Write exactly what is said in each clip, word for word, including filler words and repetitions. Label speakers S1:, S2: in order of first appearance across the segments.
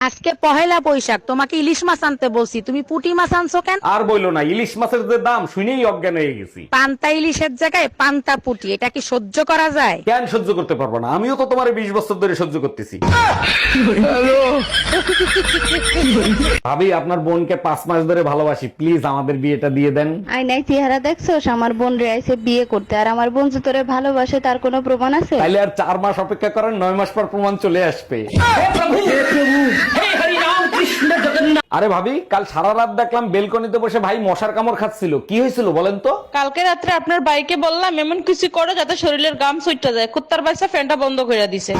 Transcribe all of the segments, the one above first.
S1: আজকে পহেলা বৈশাখ, তোমাকে ইলিশ মাছ আনতে বলছি, তুমি পুঁটি মাছ আনছো কেন?
S2: আর বইলো না, ইলিশ মাছের যে দাম শুনেই অজ্ঞান হয়ে গেছি।
S1: পান্তা ইলিশের জায়গায় পান্তা পুঁটি, এটা কি সহ্য করা যায়?
S2: কেন সহ্য করতে পারবো না? আমিও তো তোমার বিশ বছর ধরে সহ্য করতেছি। ভাবি, আপনার বোনকে পাঁচ মাস ধরে ভালোবাসি, প্লিজ আমাদের বিয়েটা দিয়ে দেন।
S3: আয়নায় চেহারা দেখছোস? আমার বোন রে আইছে বিয়ে করতে, আর আমার বোন যে তোরে ভালোবাসে তার কোনো প্রমাণ আছে?
S2: তাইলে আর চার মাস অপেক্ষা করেন, নয় মাস পর প্রমাণ চলে আসবে। আরে ভাবি, কাল সারা রাত দেখলাম বেলকনিতে বসে ভাই মশার কামড় খাচ্ছিল, কি হয়েছিল বলেন তো?
S4: কালকে রাত্রে আপনার বাইকে বললাম এমন কিছু করো যাতে শরীরের গাম সুইটটা যায়, কুত্তার বাচ্চা ফ্যানটা বন্ধ করে দিছে।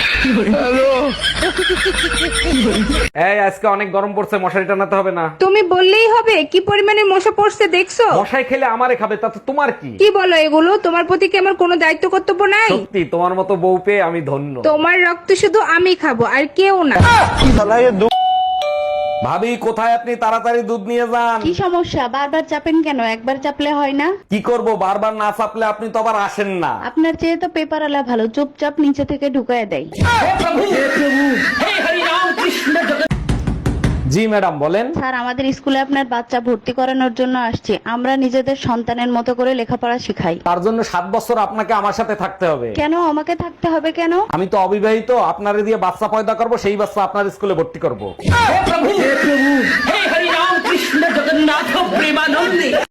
S2: এই আজকে অনেক গরম পড়ছে, মশারি টানাতে হবে না?
S5: তুমি বললেই হবে? কি পরিমাণে মশা পড়ছে দেখছো?
S2: মশাই খেলে আমারে খাবে, তাতে তোমার কি?
S5: কি বলো এগুলো? তোমার প্রতি কি আমার কোনো দায়িত্ব কর্তব্য নাই?
S2: সত্যি তোমার মতো বউ পেয়ে আমি ধন্য।
S5: তোমার রক্ত শুধু আমি খাবো, আর কেউ না।
S2: ভাবি, কোথায় আপনি? তাড়াতাড়ি দুধ নিয়ে যান।
S3: কি সমস্যা? বারবার চাপেন কেন? একবার চাপলে হয় না?
S2: কি করব, বারবার না চাপলে আপনি তো আবার আসেন না।
S3: আপনার চেয়ে তো পেপার আলা ভালো, চুপচাপ নিচে থেকে ঢুকায় দেয়।
S2: জি ম্যাডাম, বলেন।
S3: স্যার, আমাদের স্কুলে আপনার বাচ্চা ভর্তি করানোর জন্য আসছে। আমরা নিজেদের সন্তানের মতো করে লেখাপড়া শিখাই।
S2: তার জন্য সাত বছর আপনাকে আমার সাথে থাকতে হবে।
S3: কেন আমাকে থাকতে হবে কেন?
S2: আমি তো অবিবাহিত, আপনারে দিয়ে বাচ্চা পয়দা করব, সেই বাচ্চা আপনার স্কুলে ভর্তি করব।